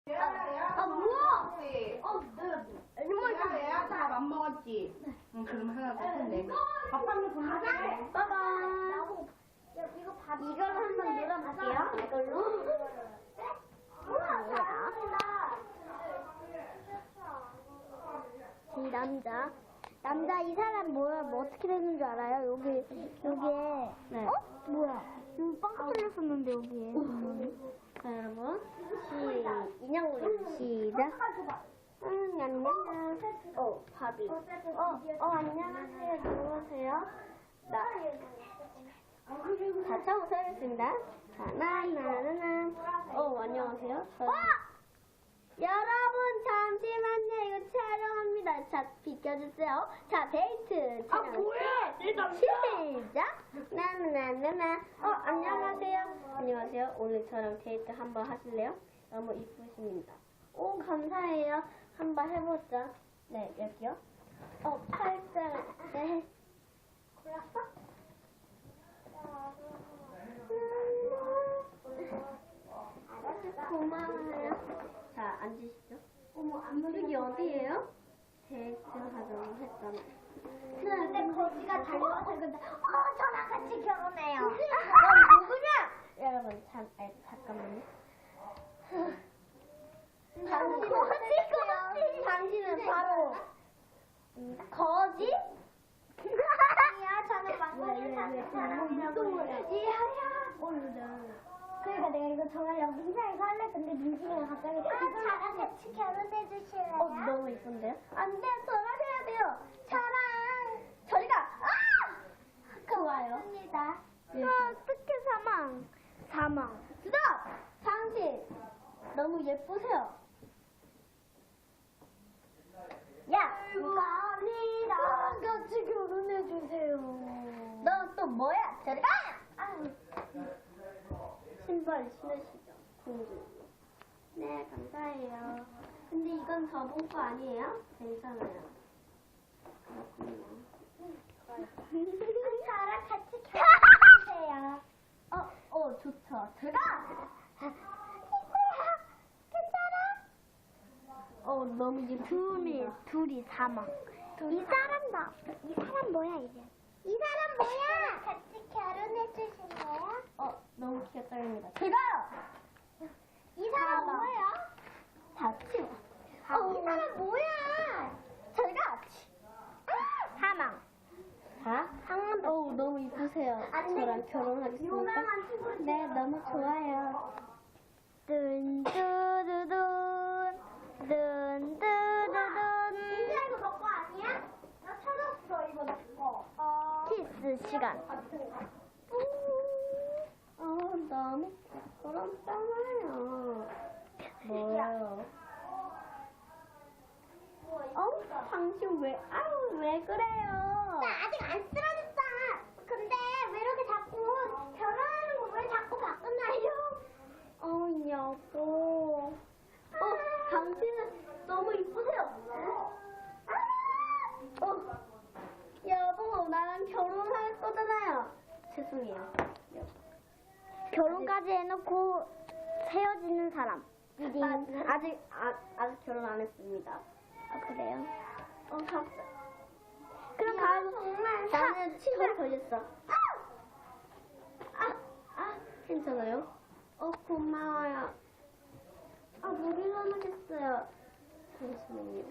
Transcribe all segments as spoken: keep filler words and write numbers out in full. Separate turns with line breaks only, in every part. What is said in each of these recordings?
아, 뭐야? 어,
내가 얘야 밥 안 먹었지? 응, 그럼 하나 더 했네. 밥 한번 돌려줄게.
빠밤.
이거 밥
이걸로 한번 눌러볼게요. 이걸로.
이 남자. 남자 이 사람 뭐야? 뭐 어떻게 되는 줄 알아요? 여기 여기에
네.
어? 뭐야? 여기 빵 뚫렸었는데 여기에.
자, 여러분. 시, 인형 올려. 시작. 응, 안녕. 어, 밥이. 어, 어, 안녕하세요. 누구세요? 나. 자, 처음부터 하겠습니다. 자, 나나나나. 어, 안녕하세요. 저...
어! 여러분 잠시만요. 이거 촬영합니다. 자, 비켜주세요. 자, 데이트
아,
촬영.
뭐야? 내 남자.
시작.
나나나나나. 어, 안녕하세요. 안녕하세요. 오늘 저랑 데이트 한번 하실래요? 너무 이쁘십니다. 오, 감사해요. 한번 해보자. 네, 여기요. 어, 팔짱. 네.
골랐어?
고마워요. 자, 앉으시죠.
어머, 안
여기 어디예요? 데이트 하자고 했잖아요.
근데 거지가 달려와서 근데 어, 저랑 같이 결혼해요.
넌 누구냐? 여러분, 잠, 아, 잠깐만요. 당신은,
거지,
당신은 바로 음, 거지?
아니야, 저는 막걸리
왜,
사는
왜, 왜,
사람이라고
왜,
해요.
왜,
얘야.
오늘은
그러니까 내가 이거 정하려고 민상이가 할래. 근데 민상이가 갑자기 아, 저랑 같이 결혼해 주실래요?
어, 너무 이쁜데요? 안 돼, 저랑 해야 돼요. 저랑 저리 가. 아! 좋아요.
맞습니다.
네.
아, 어떻게 사망? 사망.
스톱! 당신 너무 예쁘세요. 야,
감사합니다. 같이 결혼해 주세요.
너 또 뭐야? 저리 가!
아유.
신발 신으시죠, 공주. 네, 감사해요. 근데 이건 저번 거 아니에요? 괜찮아요. 그렇군요.
저랑 같이 결혼해 주세요.
어, 어, 좋죠. 제가!
이거야. 괜찮아?
어, 너무
둘이,
예쁘습니다.
둘이 사망. 이 사람 나, 이 사람 뭐야, 이제? 이 사람 뭐야? 같이 결혼해 주실래요?
어, 너무 귀엽다입니다. 제가요!
이 사람
사망.
뭐야?
다 치워.
어, 이 사람 뭐야?
제가!
아, 사망.
자, 한, 어우, 너무 이쁘세요.
안 돼.
저랑 결혼하겠습니까?
유명한 친구.
네, 너무 좋아요.
뚠뚜두둔, 뚠뚜두둔. 민지야, 이거 너 거 아니야? 나 찾았어, 이거 너 거. 어. 키스 시간.
어, 너무 부끄럽잖아요. 뭐요? 어? 당신 왜, 아유, 왜 그래요?
나 아직 안 쓰러졌어. 근데 왜 이렇게 자꾸 결혼하는 거 왜 자꾸 바꾸나요?
어, 여보. 어, 당신은 너무 이쁘세요. 어, 여보, 나랑 결혼할 거잖아요. 죄송해요. 여보.
결혼까지 해놓고 헤어지는 사람.
아, 아직, 아, 아직 결혼 안 했습니다.
아, 그래요?
어, 갑자
그럼
야,
가서
정말
사-
나는 치매 걸렸어. 아, 아, 괜찮아요? 어, 고마워요. 아, 목이 넘어졌어요. 잠시만요.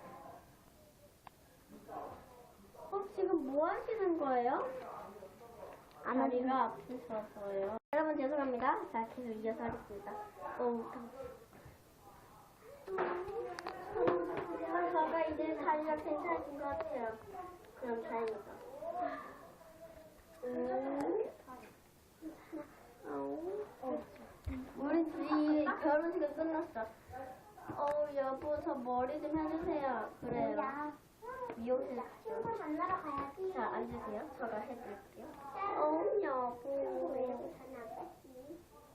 어, 지금 뭐 하시는 거예요?
안
다리가 아프셔서요. 여러분 죄송합니다. 자, 계속 이어서 하겠습니다. 어, 저가 이제 다리가 괜찮아진 것 같아요. 그럼 다행이다. 음. 어. 우리 둘이 결혼식은 끝났어. 어, 여보, 저 머리 좀 해주세요. 그래요.
야,
미용실
친구
가죠.
만나러 가야지.
자, 앉으세요. 저가 해드릴게요. 어, 여보.
왜 이렇게 전화 왔지?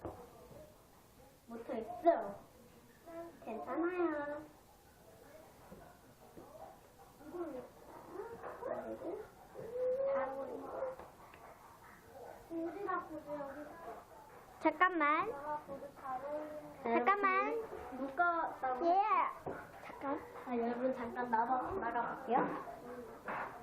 못하겠어. 괜찮아요.
잠깐만. 잠깐만.
누가 나가?
예. 잠깐.
아, 여러분 잠깐 나가 나가 볼게요.